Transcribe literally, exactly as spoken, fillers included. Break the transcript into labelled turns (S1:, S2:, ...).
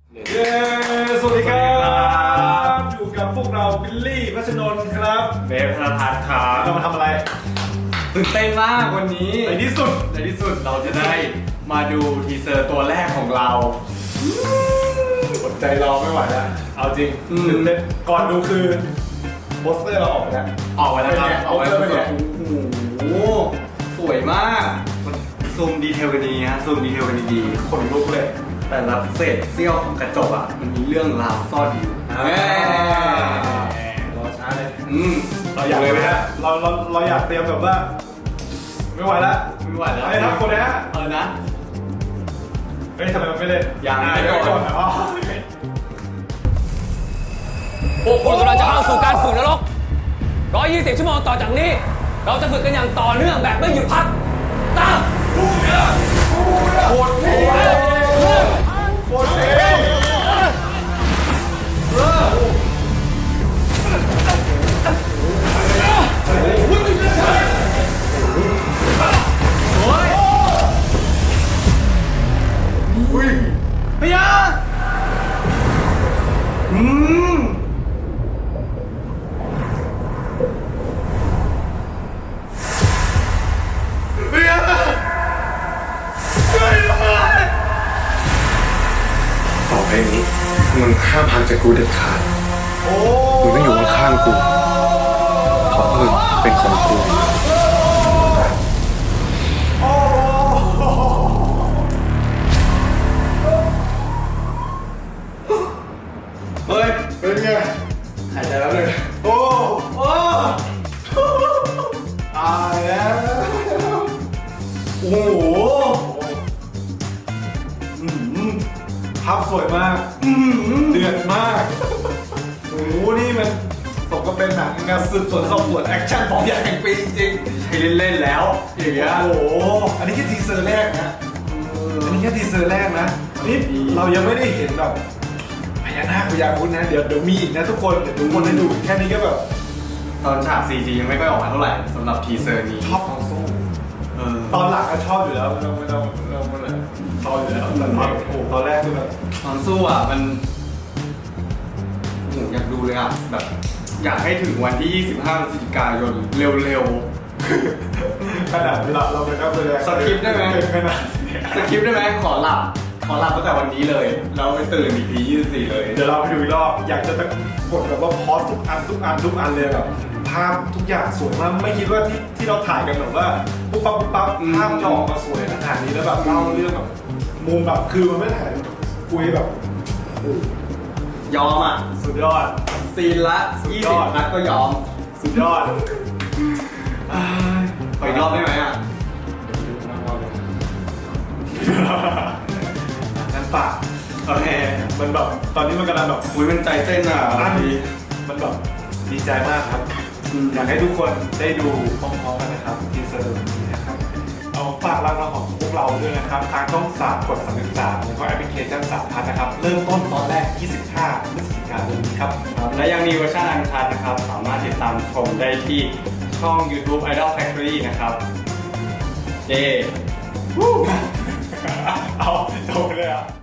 S1: เย้สวัสดีครับอยู่กับพวกเราบิลลี่พัชนนท์ครับ
S2: เบฟธนทัศน์ครับ
S1: เรามาทำอะไร
S2: ตื่นเต้นมากวันนี้
S1: ในที่สุด
S2: ในที่สุดเราจะได้มาดูทีเซอร์ตัวแรกของเรา
S1: อดใจรอไม่ไหวแล้วเอาจริงตื่นเต้นก่อนดูคือโปสเตอร์เราออกไปแล้ว
S2: ออกไปแล้วครับออกไปแล้วโอ้โหสวยมากซูมดีเทลกันดีฮะซูมดีเทลกันดี
S1: ๆคนลุกเลย
S2: แต่ละเศษเสี้ยวของกระจกอ่ะมันมีเรื่องราวซ่อนอยู่
S1: รอช้าเลย
S2: อืม
S1: เราอยากเลยไหมฮะเราเราเราอยากเตรียมแบบว่าไม่ไหวแล้ว
S2: ไม่ไหวแล้ว
S1: ไอ้ทักคนนะ
S2: เออนะ
S1: เฮ้ยทำไมมันไม่เล่น
S2: ยังไม่
S1: ก่อนนะอ๋อ
S3: พวกคุณกำลังจะเข้าสู่การฝึกนรกหนึ่งร้อยยี่สิบชั่วโมงต่อจากนี้เราจะฝึกกันอย่างต่อเนื่องแบบไม่หยุดพักตาม
S1: บูเนียโคตรเท่โคตรเท่
S2: พยาอืมพยาช่วยด้วย
S4: ต่อไปนี้มึงห้ามห่างจากกูเด็ดขาดมึงต้องอยู่ข้างๆกูเพราะมึงเป็นของกู
S2: เฮ้ย
S1: เป็นไง
S2: หายใจแล้วเลย
S1: โอ้โอ้ตายแล้วโอ้โหภาพสวยมากเดือดมากโอ้โหนี่มันสมกับเป็นหนังงานสืบสวนสอบสวนแอคชั่นของใหญ่แห่งปีจริง
S2: ๆให้เล่นๆแล้วอย่างเงี้ย
S1: โอ้โหอันนี้แค่ทีเซอร์แรกนะอันนี้แค่ทีเซอร์แรกนะนี่เรายังไม่ได้เห็นแบบพญานาคพญาครุฑนะเดี๋ยวเดี๋ยวมีอีกนะทุกคนเดี๋ยวทุกคนได้ดูแค่นี้ก็แบบ
S2: ตอนฉาก ซี จี ยังไม่ค่อยออกมาเท่าไหร่สำหรับทีเซอร์นี้
S1: ชอบตอนสู้ตอนหลังก็ชอบอยู่แล้วไม่ต้องไม่ต้องไม่ต้องอะไรชอบอยู่แล้วแต่ตอนโอ้ตอนแรกคือแบบ
S2: ตอนสู้อ่ะมันผมอยากดูเลยอ่ะแบบอยากให้ถึงวันที่ยี่สิบห้าพฤศจิกายนเร็ว
S1: ๆขนาดเราเราเป็นนักแสดง
S2: สคริปต์ได้ไหม
S1: ขนาด
S2: สคริปต์ได้ไหมขอหลับขอหลับตั้งแต่วันนี้เลยเราไปตื่นอีกทียี่สิบสี่เลย
S1: เดี๋ยวเราไปดูอีกรอบอยากจะกดแบบว่าพอสทุกอันทุกอันทุกอันเลยแบบภาพทุกอย่างสวยมากไม่คิดว่าที่ที่เราถ่ายกันแบบว่าปุ๊บปั๊บปุ๊บปั๊บภาพจะออกมาสวยขนาดนี้แล้วแบบเล่าเรื่องแบบมุมแบบคือมันไม่ถ่ายคุยแบบ
S2: ยอมอ่ะ
S1: สุดยอด
S2: ซีนละยี่สิบนัดก็ยอม
S1: สุดยอด
S2: ไปรอบได้ไหมอ่ะ
S1: งั้นปากโอเคมันแบบตอนนี้มันกำลังแบบ
S2: อุ้ยมันใจเต้นอ่ะ
S1: มันแบบดีใจมากครับอยากให้ทุกคนได้ดูพร้อมๆกันนะครับทีเซอร์นี้นะครับเอาฝากร้านเราของพวกเราด้วยนะครับทางช่องสามกดสามสิบสามแล้วก็แอปพลิเคชันสามพันนะครับเริ่มต้นตอนแรกยี่สิบห้าพฤศจิกายนนี้ครับ
S2: และยังมีเวอร์ชันอันคัดนะครับสามารถติดตามชมได้ที่ช่อง YouTube Idol Factory นะครับเย้
S1: เอาจบเลยอ่ะ